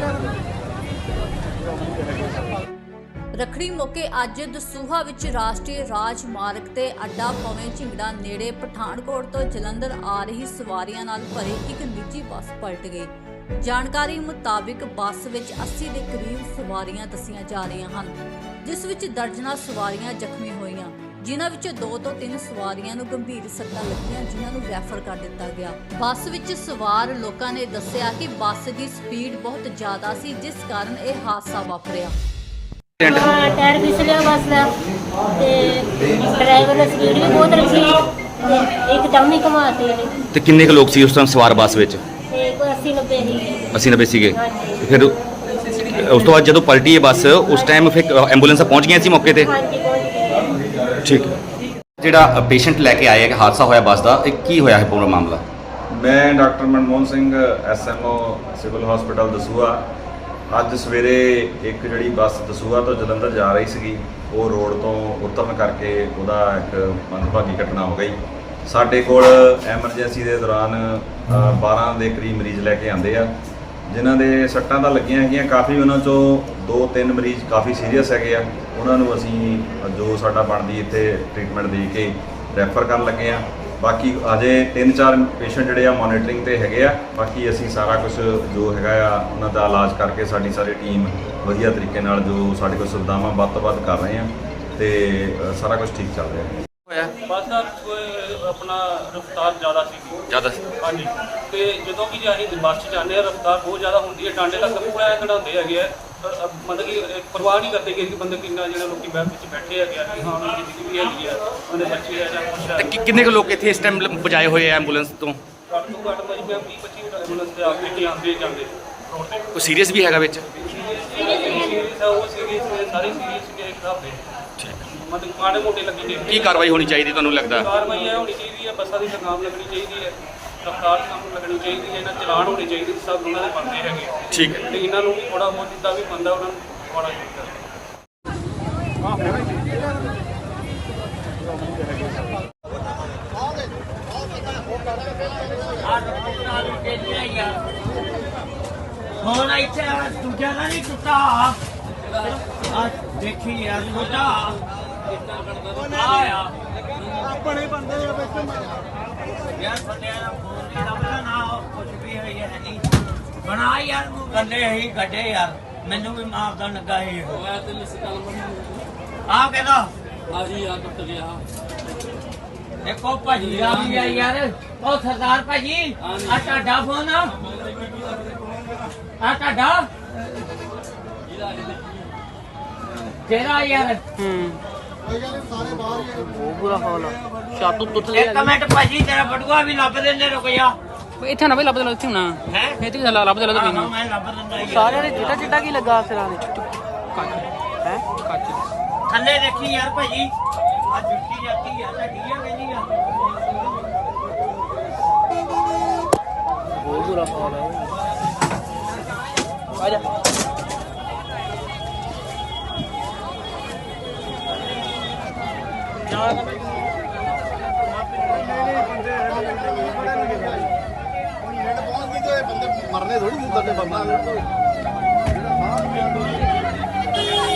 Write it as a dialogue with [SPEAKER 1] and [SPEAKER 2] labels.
[SPEAKER 1] ਰੱਖੜੀ ਮੌਕੇ ਅੱਜ ਦਸੂਹਾ ਵਿੱਚ ਰਾਸ਼ਟਰੀ ਰਾਜ ਮਾਰਗ ਤੇ ਅੱਡਾ ਪਵੇਂ ਝਿੰਗੜਾ ਨੇੜੇ ਪਠਾਨਕੋਟ ਤੋਂ ਜਲੰਧਰ ਆ ਰਹੀ ਸਵਾਰੀਆਂ ਨਾਲ ਭਰੀ ਇੱਕ ਨਿੱਜੀ ਬੱਸ ਪਲਟ ਗਈ। ਜਾਣਕਾਰੀ ਮੁਤਾਬਿਕ ਬੱਸ ਵਿੱਚ 80 ਦੇ ਕਰੀਬ ਸਵਾਰੀਆਂ ਦੱਸੀਆਂ ਜਾ ਰਹੀਆਂ ਹਨ, ਜਿਸ ਵਿੱਚ ਦਰਜਨਾਂ ਸਵਾਰੀਆਂ ਜ਼ਖਮੀ ਹੋਈਆਂ, ਜਿਨ੍ਹਾਂ ਵਿੱਚੋਂ 2 ਤੋਂ 3 ਸਵਾਰੀਆਂ ਨੂੰ ਗੰਭੀਰ ਸੱਟਾਂ ਲੱਗੀਆਂ, ਜਿਨ੍ਹਾਂ ਨੂੰ ਰੈਫਰ ਕਰ ਦਿੱਤਾ ਗਿਆ। ਬੱਸ ਵਿੱਚ ਸਵਾਰ ਲੋਕਾਂ ਨੇ ਦੱਸਿਆ ਕਿ ਬੱਸ ਦੀ ਸਪੀਡ ਬਹੁਤ ਜ਼ਿਆਦਾ ਸੀ, ਜਿਸ ਕਾਰਨ ਇਹ ਹਾਦਸਾ ਵਾਪਰਿਆ।
[SPEAKER 2] टायर फिसलिया बस का ड्राइवर ने स्पीड भी बहुत रखी एकदम ही घुमाते
[SPEAKER 3] ਤੇ ਕਿੰਨੇ ਕੁ ਲੋਕ ਸੀ ਉਸ ਟਾਈਮ ਸਵਾਰ ਬੱਸ ਵਿੱਚ?
[SPEAKER 2] कोई 80-90 ही
[SPEAKER 3] 80-90 ਸੀਗੇ। ਫਿਰ ਉਸ ਤੋਂ ਬਾਅਦ ਜਦੋਂ ਪਲਟੀ ਇਹ ਬੱਸ ਉਸ ਟਾਈਮ ਫਿਰ ਐਂਬੂਲੈਂਸਾਂ ਪਹੁੰਚ ਗਈਆਂ ਸੀ ਮੌਕੇ ਤੇ?
[SPEAKER 2] हाँ जी पहुंच गए।
[SPEAKER 3] ਠੀਕ ਹੈ। ਜਿਹੜਾ ਪੇਸ਼ੈਂਟ ਲੈ ਕੇ ਆਇਆ ਕਿ ਹਾਦਸਾ ਹੋਇਆ ਬੱਸ ਦਾ, ਇਹ ਕੀ ਹੋਇਆ ਹੈ ਪੂਰਾ ਮਾਮਲਾ?
[SPEAKER 4] मैं doctor Manmohan Singh SMO civil hospital Dasuya. ਅੱਜ ਸਵੇਰੇ ਇੱਕ ਜਿਹੜੀ ਬੱਸ ਦਸੂਹਾ ਤੋਂ ਜਲੰਧਰ ਜਾ ਰਹੀ ਸੀਗੀ, ਉਹ ਰੋਡ ਤੋਂ ਉਤਰਨ ਕਰਕੇ ਉਹਦਾ ਇੱਕ ਮੰਦਭਾਗੀ ਘਟਨਾ ਹੋ ਗਈ। ਸਾਡੇ ਕੋਲ ਐਮਰਜੈਂਸੀ ਦੇ ਦੌਰਾਨ 12 ਦੇ ਕਰੀਬ ਮਰੀਜ਼ ਲੈ ਕੇ ਆਂਦੇ ਆ, ਜਿਨ੍ਹਾਂ ਦੇ ਸੱਟਾਂ ਤਾਂ ਲੱਗੀਆਂ ਹੈਗੀਆਂ ਕਾਫੀ। ਉਹਨਾਂ ਚੋਂ 2-3 ਮਰੀਜ਼ ਕਾਫੀ ਸੀਰੀਅਸ ਹੈਗੇ ਆ, ਉਹਨਾਂ ਨੂੰ ਅਸੀਂ ਜੋ ਸਾਡਾ ਬਣਦੀ ਇੱਥੇ ਟ੍ਰੀਟਮੈਂਟ ਦੇ ਕੇ ਰੈਫਰ ਕਰਨ ਲੱਗੇ ਆ। ਬਾਕੀ ਅਜੇ 3-4 ਪੇਸ਼ੈਂਟ ਜਿਹੜੇ ਆ ਮੋਨੀਟਰਿੰਗ ਤੇ ਹੈਗੇ ਆ। ਬਾਕੀ ਅਸੀਂ ਸਾਰਾ ਕੁਝ ਜੋ ਹੈਗਾ ਆ ਉਹਨਾਂ ਦਾ ਇਲਾਜ ਕਰਕੇ ਸਾਡੀ ਸਾਰੀ ਟੀਮ ਵਧੀਆ ਤਰੀਕੇ ਨਾਲ ਜੋ ਸਾਡੇ ਕੋਲ ਸੁਵਿਧਾਵਾਂ ਵੱਧ ਤੋਂ ਵੱਧ ਕਰ ਰਹੇ ਆ ਤੇ ਸਾਰਾ ਕੁਝ ਠੀਕ ਚੱਲ ਰਿਹਾ
[SPEAKER 3] ਹੋਇਆ
[SPEAKER 5] ਬੱਸ ਦਾ ਆਪਣਾ ਰਫ਼ਤਾਰ ਜ਼ਿਆਦਾ ਸੀ।
[SPEAKER 3] ਜ਼ਿਆਦਾ
[SPEAKER 5] ਹਾਂਜੀ, ਤੇ ਜਦੋਂ ਕਿ ਜੇ ਅਸੀਂ ਬੱਸ 'ਚ ਜਾਂਦੇ ਹਾਂ ਰਫ਼ਤਾਰ ਬਹੁਤ ਜ਼ਿਆਦਾ ਹੁੰਦੀ ਹੈ, ਟਾਂਡੇ ਤੱਕ ਪੂਰਾ ਕਢਾਉਂਦੇ ਹੈਗੇ ਆ। ਮਤਲਬ ਕਿ ਪਰਵਾਹ ਨਹੀਂ ਕਰਦੇ ਕਿ ਬੰਦੇ ਕਿੰਨਾ ਜਿਹੜੇ ਲੋਕੀ ਬੈਠ ਵਿੱਚ ਬੈਠੇ ਹੈਗੇ ਆ ਕਿ ਹਾਂ ਉਹਨਾਂ ਦੀ ਜ਼ਿੰਦਗੀ ਵੀ ਹੈਗੀ ਆ, ਉਹਦੇ ਬੱਚੇ ਆ ਜਾਂ ਕੁਛ ਹੈ।
[SPEAKER 3] ਤੇ ਕਿੰਨੇ ਕੁ ਲੋਕ ਇੱਥੇ ਇਸ ਟਾਈਮ ਪਹੁੰਚਾਏ ਹੋਏ ਆ ਐਂਬੂਲੈਂਸ ਤੋਂ?
[SPEAKER 5] ਘੱਟ ਤੋਂ ਘੱਟ ਭਾਜੀ ਮੈਂ 20-25 ਐਂਬੂਲੈਂਸ ਤੇ ਆਪ ਕੇ ਆਉਂਦੇ ਜਾਂਦੇ ਰੋਡ ਤੇ।
[SPEAKER 3] ਕੋਈ ਸੀਰੀਅਸ ਵੀ ਹੈਗਾ ਵਿੱਚ?
[SPEAKER 5] ਸੀਰੀਅਸ ਆ, ਉਹ ਸੀਰੀਅਸ ਨੇ, ਸਾਰੇ ਸੀਰੀਅਸ ਨੇ ਇੱਕ ਹਿਸਾਬ ਦੇ। ਮਤਲਬ ਮਾੜੇ ਮੋਟੇ ਲੱਗੇ ਨੇ।
[SPEAKER 3] ਕੀ ਕਾਰਵਾਈ ਹੋਣੀ ਚਾਹੀਦੀ ਤੁਹਾਨੂੰ ਲੱਗਦਾ?
[SPEAKER 5] ਕਾਰਵਾਈ ਇਹ ਹੋਣੀ ਚਾਹੀਦੀ ਹੈ, ਬੱਸਾਂ ਦੀ ਲਗਾਮ ਲੱਗਣੀ ਚਾਹੀਦੀ ਹੈ, ਰਫ਼ਤਾਰ ਕੰਮ ਲੱਗਣੀ ਚਾਹੀਦੀ ਹੈ, ਇਹਨਾਂ ਚਲਾਨ ਹੋਣੇ ਚਾਹੀਦੇ, ਸਭ ਉਹਨਾਂ ਦੇ ਬਣਦੇ ਹੈਗੇ।
[SPEAKER 3] ਠੀਕ ਹੈ।
[SPEAKER 5] ਤੇ ਇਹਨਾਂ ਨੂੰ ਵੀ ਥੋੜਾ ਬਹੁਤ ਜਿੱਦਾਂ ਵੀ ਬੰਦਾ ਉਹਨਾਂ ਨੂੰ ਥੋੜਾ ਚਾਹੀਦਾ।
[SPEAKER 6] ਹੁਣ ਇੱਥੇ ਦੂਜਾ ਨਾ ਨਹੀਂ ਟੁੱਟਾ ਆ ਦੇਖੀ ਯਾਰ ਛੋਟਾ ਆਇਆ ਆਪਣੇ ਬੰਦੇ ਦੇ ਵਿੱਚ ਯਾਰ ਬੰਦਿਆਂ ਦਾ ਫੋਨ ਨਹੀਂ ਲੱਭਦਾ ਨਾ ਕੁਝ ਵੀ ਹੋਈ ਹੈ ਨਹੀਂ ਬਣਾ ਯਾਰ ਨੂੰ ਕੰਡੇ ਹੀ ਗੱਡੇ ਯਾਰ ਮੈਨੂੰ ਵੀ ਮਾਰਦਾ ਲੱਗਾ ਇਹ ਹੋਇਆ ਤੇ ਮਿਸਕਾਲ ਆ ਕਹਿੰਦਾ ਆ ਜੀ ਆ ਟੁੱਟ ਗਿਆ। ਦੇਖੋ ਭਾਜੀ ਆ ਵੀ ਆ ਯਾਰ, ਉਹ ਸਰਦਾਰ ਭਾਜੀ ਆ ਤੁਹਾਡਾ ਫੋਨ ਆ ਤੁਹਾਡਾ ਤੇਰਾ ਯਾਰ
[SPEAKER 7] ਬੁਰਾ ਹਾਲ ਆ। ਛੱਤ ਟੁੱਟ ਲਈ।
[SPEAKER 6] ਇੱਕ ਮਿੰਟ ਭਾਜੀ ਤੇਰਾ ਬਟੂਆ ਵੀ ਲੱਭ ਦਿੰਦੇ, ਰੁਕ ਜਾ।
[SPEAKER 7] ਇੱਥੇ ਨਾ ਬਈ ਲੱਭ ਦੇ ਇੱਥੇ ਹੋਣਾ
[SPEAKER 6] ਹੈ
[SPEAKER 7] ਇੱਥੇ ਵੀ ਲੱਭ ਦੇ ਲੱਭ
[SPEAKER 6] ਮੈਂ ਲੱਭ ਦਿੰਦਾ ਯਾਰ।
[SPEAKER 7] ਸਾਰਿਆਂ ਦੇ ਚਿੱਟਾ ਚਿੱਟਾ ਕੀ ਲੱਗਾ ਸਿਰਾਂ ਦੇ? ਕੱਚ ਹੈ ਕੱਚ
[SPEAKER 6] ਥੱਲੇ ਦੇਖੀ ਯਾਰ ਭਾਜੀ ਆ ਜੁੱਤੀ ਜਾਂਦੀ ਆ ਤੁਹਾਡੀ ਆ ਕਹਿੰਦੀ ਆ
[SPEAKER 7] ਬਹੁਤ ਬੁਰਾ ਹਾਲ ਹੈ। ਆ ਜਾ
[SPEAKER 8] ਮਰਨੇ ਥੋੜੀ ਮੁੱਦਾ ਤੇ ਬੰਦਾ